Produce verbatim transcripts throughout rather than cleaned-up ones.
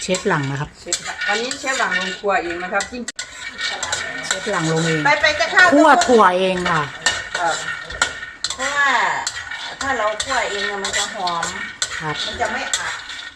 ฟหลังนะครับวันนี้เชฟหลังลงครัวเองนะครับจริงเชฟหลังลงเองไปไปจะข้าวคั่วถั่วเองค่ะเพราะว่าถ้าเราคั่วเองมันจะหอมครับมันจะไม่อัด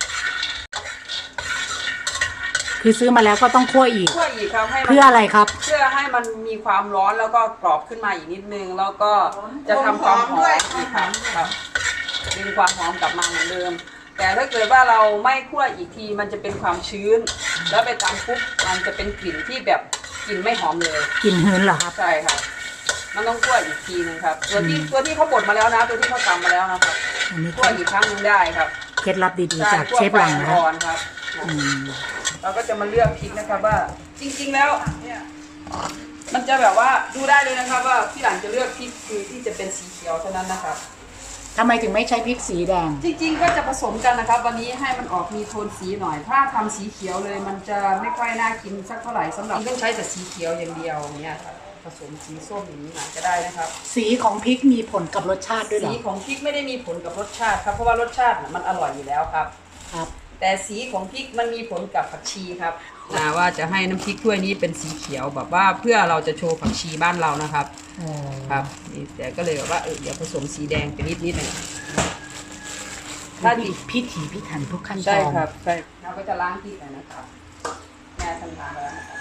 คือซื้อมาแล้วก็ต้องคั่วอีกคั่วอีกครับให้เพื่ออะไรครับเพื่อให้มันมีความร้อนแล้วก็กรอบขึ้นมาอีกนิดนึงแล้วก็จะทำความหอมอีกครับครับดึงความหอมกลับมาเหมือนเดิมแต่ถ้าเกิดว่าเราไม่คั่วอีกทีมันจะเป็นความชื้นแล้วไปตามปุ๊บมันจะเป็นกลิ่นที่แบบกลิ่นไม่หอมเลยกลิ่นหืนเหรอครับใช่ครับมันต้องคั่วอีกทีนึงครับตัวที่ตัวที่เขาบดมาแล้วนะตัวที่เขาตำมาแล้วนะครับคั่วอีกครั้งนึงได้ครับเคล็ดลับดีๆจากเชฟหลังนะครับเราก็จะมาเลือกพริกนะครับว่าจริงๆแล้วมันจะแบบว่าดูได้เลยนะครับว่าพี่หลังจะเลือกพริกคือที่จะเป็นสีเขียวเท่านั้นนะครับทำไมถึงไม่ใช้พริกสีแดงจริงๆก็จะผสมกันนะครับวันนี้ให้มันออกมีโทนสีหน่อยถ้าทำสีเขียวเลยมันจะไม่ค่อยน่ากินสักเท่าไหร่สำหรับต้องใช้แต่สีเขียวอย่างเดียวเนี่ยครับผสมสีส้มอย่างนี้หน่อยก็ได้นะครับสีของพริกมีผลกับรสชาติด้วยหรอสีของพริกไม่ได้มีผลกับรสชาติครับเพราะว่ารสชาติมันอร่อยอยู่แล้วครับครับแต่สีของพริกมันมีผลกับผักชีครับนะว่าจะให้น้ำพริกถ้วยนี้เป็นสีเขียวแบบว่าเพื่อเราจะโชว์ผักชีบ้านเรานะครับครับนี่แต่ก็เลยแบบว่าเออเดี๋ยวผสมสีแดงไปนิดนิดหน่อยถ้าพิถีพิถันทุกขั้นตอนใช่ครับใช่เราก็จะล้างพริกหน่อยนะครับแม่ทำทานแล้วนะครับ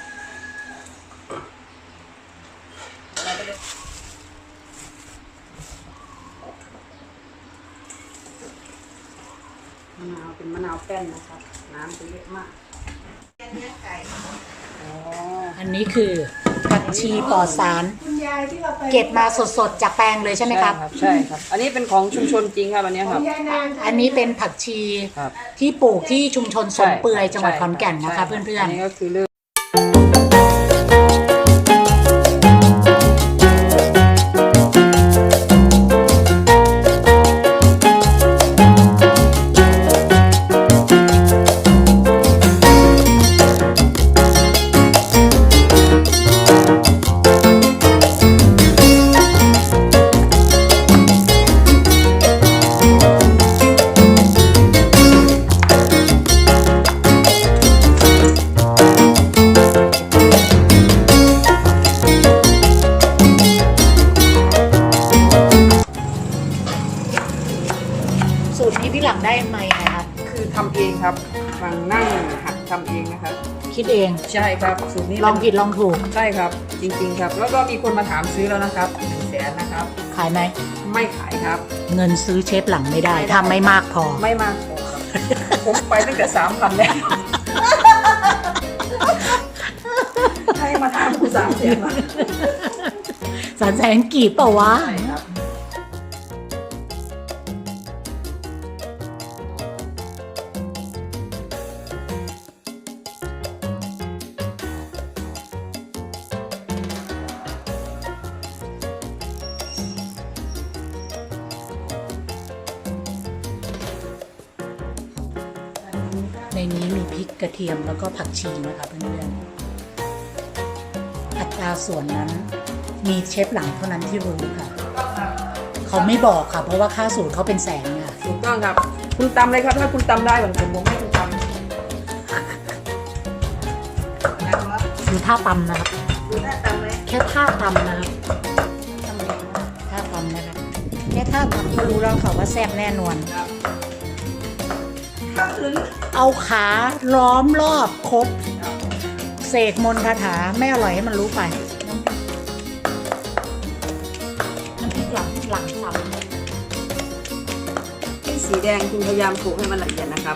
เราก็จะมะนาวเป็นมะนาวแป้นนะครับน้ำจะเยอะมากเนื้อไก่อันนี้คือผักชีปลอดสารเก็บมาสดๆจากแปลงเลยใช่ไหมครับใช่ครับอันนี้เป็นของชุมชนจริงครับอันนี้ครับอันนี้เป็นผักชีที่ปลูกที่ชุมชนสมเปื่อยจังหวัดขอนแก่นนะคะเพื่อนๆอันนี้ก็คือเรื่องสูตรนี้พี่หลังได้ไหมครับคือทำเองครับหลังนั่งหัดทำเองนะครับคิดเองใช่ครับสูตรนี้ลองผิดลองถูกใช่ครับจริงๆครับแล้วก็มีคนมาถามซื้อแล้วนะครับหนึ่งแสนนะครับขายไหมไม่ขายครับเงินซื้อเชฟหลังไม่ได้ทำไม่มากพอไม่มากพอครับผมไปตั้งแต่สามพันแล้วให้มาทำกูสามแสนมาสามแสนกี่เปล่าวะในนี้มีพริกกระเทียมแล้วก็ผักชีนะคะเพื่อนๆอัตราส่วนนั้นมีเชฟหลังเท่านั้นที่รู้ค่ะเขาไม่บอกค่ะเพราะว่าค่าสูตรเขาเป็นแสนค่ะถูกต้องครับคุณตำเลยครับถ้าคุณตำได้เหมือนผมผมให้คุณตำดูท่าตำนะครับดูท่าตำไหมแค่ท่าตำนะครับท่าตำนะคะแค่ท่าตำก็รู้แล้วค่ะว่าแซ่บแน่นอนเอาขาล้อมรอบครบเสกมนต์คาถาไม่อร่อยให้มันรู้ไปน้ำพริกหลังหลังสับที่สีแดงคุณพยายามโขลกให้มันละเอียดนะครับ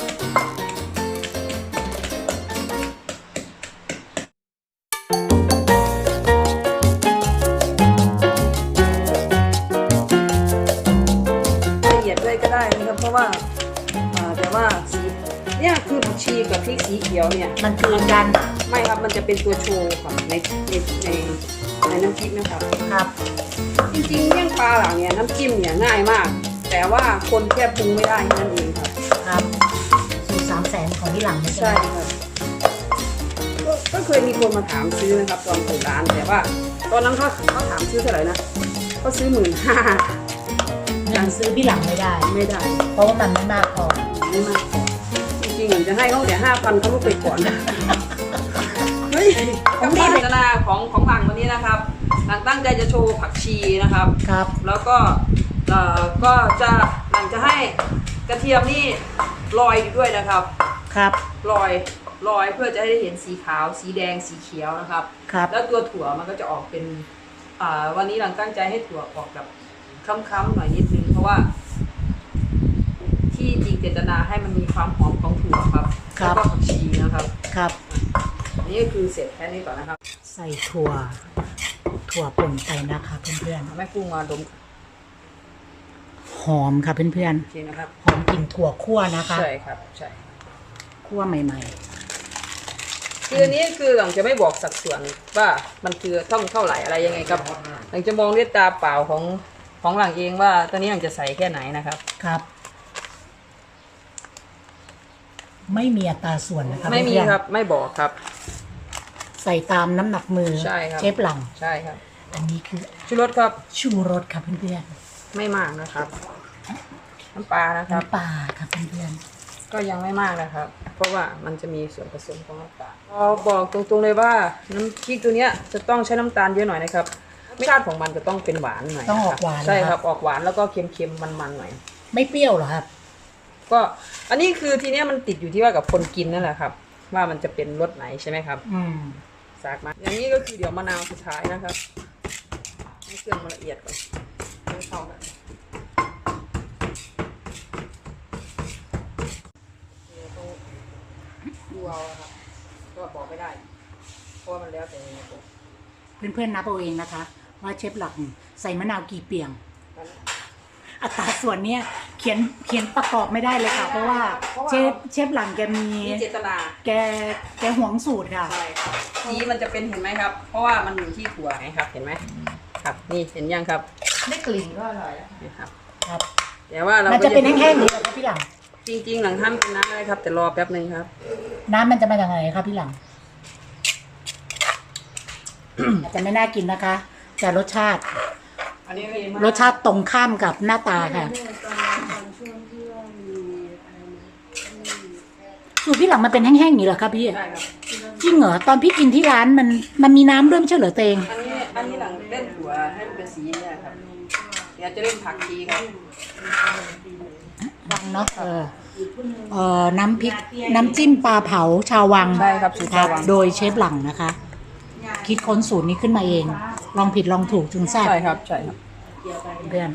ละเอียดด้วยก็ได้นะครับเพราะว่าแต่ว่าสีเนี่ยคือผักชีกับพริกสีเขียวเนี่ยมันคือกันไม่ครับมันจะเป็นตัวโชว์ครับในในในในน้ำพริกนะครับครับจริงๆเมี่ยงปลาหลังเนี่ยน้ำจิ้มเนี่ยง่ายมากแต่ว่าคนแค่ปรุงไม่ได้นั่นเองครับครับสูตรสามแสนของพี่หลังใช่ครับก็เคยมีคนมาถามซื้อนะครับตอนเปิดร้านแต่ว่าตอนนั้นเขาเขาถามซื้อเท่าไหร่นะเขาซื้อหมื่นห้ายังซื้อพี่หลังไม่ได้ไม่ได้เพราะว่ามันไม่มากพอไม่มากจริงริงๆหนูจะให้เขาแต่ห้าพันเขาลูกไปก่อนเฮ้ยกับการพัฒนาของของหลังวันนี้นะครับหลังตั้งใจจะโชว์ผักชีนะครับครับแล้วก็เอ่อก็จะหลังจะให้กระเทียมนี่ลอยอยู่ด้วยนะครับครับลอยลอยเพื่อจะให้ได้เห็นสีขาว สีแดงสีเขียวนะครับครับแล้วตัวถั่วมันก็จะออกเป็นอ่าวันนี้หลังตั้งใจให้ถั่วออกแบบค้ำๆหน่อยนิดนึงเพราะว่า ที่จริงเจตนาให้มันมีความหอมของถั่วครับแล้วก็ผักชีนะครับครับอันนี้ก็คือเสร็จแค่นี้ก่อนนะครับใส่ถั่ว ถั่วป่นไปนะคะเพื่อนแม่กุ้งมาดมๆ หอมค่ะเพื่อนโอเคนะครับๆ หอมกลิ่นถั่วคั่วนะคะใช่ครับใช่คั่วใหม่คืออันนี้คือหลังจะไม่บอกสัดส่วนว่ามันคือต้องเท่าไหร่อะไรยังไงครับหลังจะมองด้วยตาเปล่าของของหลังเองว่าตอนนี้หลังจะใส่แค่ไหนนะครับๆ ครับ ไม่มีอัตราส่วนนะคะไม่มีเพื่อนๆครับไม่บอกครับใส่ตามน้ำหนักมือใช่ครับเชฟหลังใช่ครับอันนี้คือชูรสครับชูรสค่ะเพื่อนไม่มากนะครับน้ำปลานะๆครับน้ำปลาค่ะเพื่อนก็ยังไม่มากนะครับ เพราะว่ามันจะมีส่วนผสมของน้ำตาลพอบอกตรงๆเลยว่าน้ำพริกตัวเนี้ยจะต้องใช้น้ำตาลเยอะหน่อยนะครับรสชาติของมันจะต้องเป็นหวานหน่อยๆต้องออกะหวานใช่นะครับออกหวานแล้วก็เค็มๆมันๆหน่อยไม่เปรี้ยวเหรอครับก็อันนี้คือทีเนี้ยมันติดอยู่ที่ว่ากับคนกินนั่นแหละครับ ว่ามันจะเป็นรสไหนใช่ไหมครับอืมสากมาอย่างนี้ก็คือเดี๋ยวมะนาวสุดท้ายนะครับให้เครื่องมันละเอียดก่อนให้เข้ากันดูเอาครับก็บอกไม่ได้เพราะว่ามันแล้วแต่ในตัวเพื่อนๆนับเอาเองนะคะ ว่าเชฟหลังใส่มะนาวกี่เปียง อัตราส่วนเนี้ยเขียนเขียนประกอบไม่ได้เลยค่ะ เพราะว่าเชฟเชฟหลังแกมีมีเจตนาแกแกหวงสูตรค่ะใช่ครับสีมันจะเป็นเห็นไหมครับ เพราะว่ามันอยู่ที่ถั่วไงครับ เห็นไหมครับนี่เห็นยังครับได้กลิ่นก็อร่อยแล้วนี่ครับครับแต่ว่าเรามันจะเป็นแห้งๆหรือเปล่าครับพี่หลังจริง ๆ หลังท่านเป็นน้ำอะไรครับ แต่รอแป๊บหนึ่งครับน้ำมันจะมาจากไหนครับพี่หลัง อาจจะไม่น่ากินนะคะแต่รสชาติอันนี้ก็รสชาติตรงข้ามกับหน้าตาค่ะสูตรพี่หลังมันเป็นแห้งๆอย่างนี้เหรอครับพี่ได้ครับจริงเหรอตอนพี่กินที่ร้านมันมันมีน้ำด้วยไม่ใช่เหรอเตงอันนี้อันนี้หลังเล่นถั่วให้มันเป็นสีเนี่ยครับ เดี๋ยวจะเล่นผักชีครับวังเนาะเออเออน้ำพริกน้ำจิ้มปลาเผาชาววังใช่ครับสูตรชาววังโดยเชฟหลังนะคะ คิดค้นสูตรนี้ขึ้นมาเอง ลองผิดลองถูกจึงแซ่บใช่ครับใช่ครับเพื่อน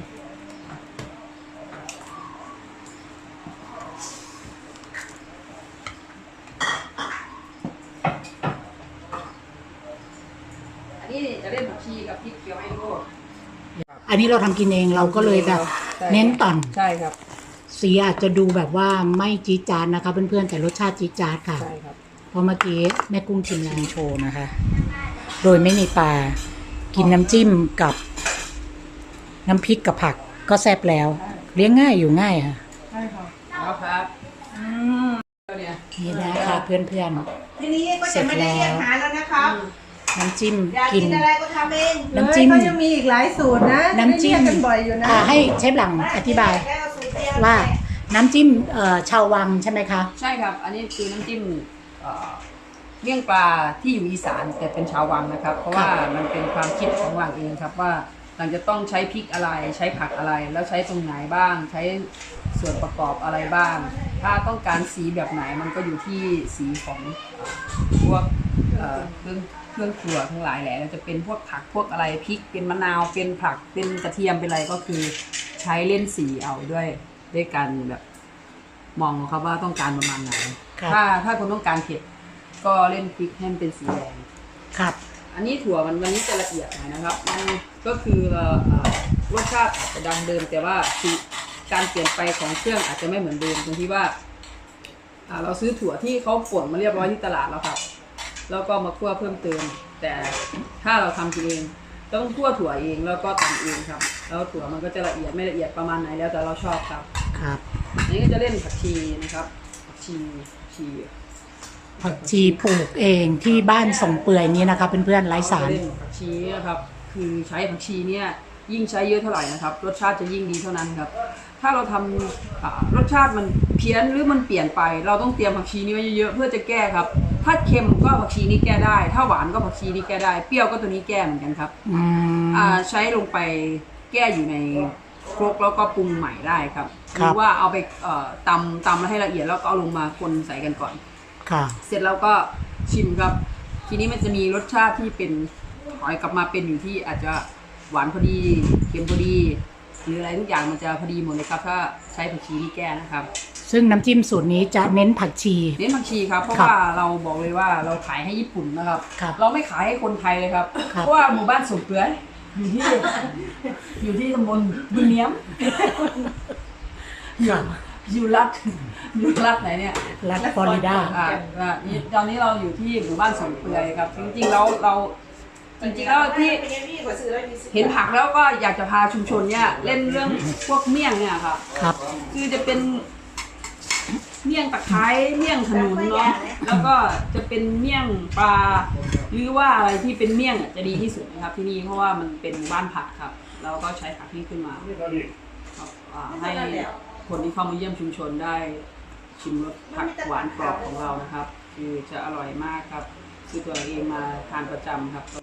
อันนี้จะเล่นผักชีกับพริกเขียวให้ดูอันนี้เราทำกินเองเราก็เลยแบบใช่เน้นต่อนใช่ครับสีอาจจะดูแบบว่าไม่จี๊ดจ๊าดนะคะเพื่อนๆแต่รสชาติจี๊ดจ๊าดค่ะใช่ครับเพราะเมื่อกี้แม่กุ้งชิมแรงโชว์นะคะ โดยไม่มีปลา กินน้ำจิ้มกับ น้ำพริกกับผักก็แซ่บแล้ว เลี้ยงง่ายอยู่ง่ายค่ะใช่ครับเอาครับอืมเนี่ยนี่นะคะเพื่อนทีนี้ก็จะไม่ได้เรียกหาแล้วนะครับๆ น้ำจิ้มอยากกิกินนอะไรก็ทำเองน้ำจิ้มเขายังมีอีกหลายสูตรนะน้ำจิ้มได้เรียกกันบ่อยอยู่นะอ่าให้เชฟหลังอธิบายแค่เอาสูตรเดียวว่าน้ำจิ้มเอ่อชาววังใช่ไหมคะใช่ครับ อันนี้คือน้ำจิ้มเอ่อเลี่ยงปลาที่อยู่อีสานแต่เป็นชาววังนะครับ เพราะว่ามันเป็นความคิดของวังเองครับว่าหลังจะต้องใช้พริกอะไรใช้ผักอะไร แล้วใช้ตรงไหนบ้าง ใช้ส่วนประกอบอะไรบ้าง ถ้าต้องการสีแบบไหนมันก็อยู่ที่สีของเอ่อพวกเอ่อเครื่องเครื่องครัวทั้งหลายแหละแล้วจะเป็นพวกผักพวกอะไรพริกเป็นมะนาวเป็นผักเป็นกระเทียมเป็นอะไรก็คือใช้เล่นสีเอาด้วยด้วยกันแบบมองครับว่าต้องการประมาณไหนครับถ้าถ้าคนต้องการเผ็ดก็เล่นพริกให้มันเป็นสีแดงครับอันนี้ถั่วมันวันนี้จะละเอียดหน่อยนะครับ มันก็คือเอ่อเอ่อรสชาติอาจจะดังเดิม แต่ว่าสีการเปลี่ยนไปของเครื่องอาจจะไม่เหมือนเดิมตรงที่ว่าอ่าเราซื้อถั่วที่เขาป่นมาเรียบร้อยที่ตลาดแล้วครับ แล้วก็มาคั่วเพิ่มเติม แต่ถ้าเราทำกินเองต้องคั่วถั่วเองแล้วก็ตำเองครับ แล้วถั่วมันก็จะละเอียดไม่ละเอียดประมาณไหนแล้วแต่เราชอบครับครับอันนี้ก็จะเล่นผักชีนะครับผักชีผักชีผักชีปลูกเองที่บ้านส่งเปื่อยนี้นะคะเพื่อนๆไร้สารเล่นผักชีนะครับ คือใช้ผักชีเนี่ยยิ่งใช้เยอะเท่าไหร่นะครับรสชาติจะยิ่งดีเท่านั้นครับถ้าเราทำอ่ารสชาติมันเพี้ยนหรือมันเปลี่ยนไป เราต้องเตรียมผักชีนี้ไว้เยอะๆเพื่อจะแก้ครับถ้าเค็มก็ผักชีนี้แก้ได้ ถ้าหวานก็ผักชีนี้แก้ได้เปรี้ยวก็ตัวนี้แก้เหมือนกันครับอืมอ่าใช้ลงไปแก้อยู่ในครกแล้วก็ปรุงใหม่ได้ครับหครับรือว่าเอาไปเอ่อตำตำแล้วให้ละเอียดแล้วก็เอาลงมาคนใส่กันก่อนค่ะเสร็จแล้วก็ชิมครับ ทีนี้มันจะมีรสชาติที่เป็นถอยกลับมาเป็นอยู่ที่อาจจะหวานพอดีเค็มพอดี หรืออะไรทุกอย่างมันจะพอดีหมดเลยครับถ้าใช้ผักชีที่แก้นะครับซึ่งน้ำจิ้มสูตรนี้จะเน้นผักชีเน้นผักชีครับเพราะครับว่าเราบอกเลยว่าเราขายให้ญี่ปุ่นนะครับครับเราไม่ขายให้คนไทยเลยครับครับเพราะว่าหมู่บ้านสุกเปื้อยอยู่ที่ อยู่ที่ตำบลบึงเนียมค่ะอยู่รัฐอยู่รัฐไหนเนี่ยรัฐฟลอริดาอ่าอ่านี่ตอนนี้เราอยู่ที่หมู่บ้านสวนเปื่อยครับ จริงๆแล้วเราจริงๆแล้วที่เห็นผักแล้วก็อยากจะพาชุมชนเนี่ยเล่นเรื่องพวกเมี่ยงเนี่ยครับครับคือจะเป็นเมี่ยงตะไคร้เมี่ยงขนุนเนาะแล้วก็จะเป็นเมี่ยงปลาหรือว่าอะไรที่เป็นเมี่ยงอ่ะจะดีที่สุดนะครับ ที่นี่เพราะว่ามันเป็นบ้านผักครับเราก็ใช้ผักนี้ขึ้นมาครับอ่าให้คนที่เข้ามาเยี่ยมชุมชนได้ชิมรสผักหวานกรอบของเรานะครับ คือจะอร่อยมากครับคือตัวเองมาทานประจำครับก็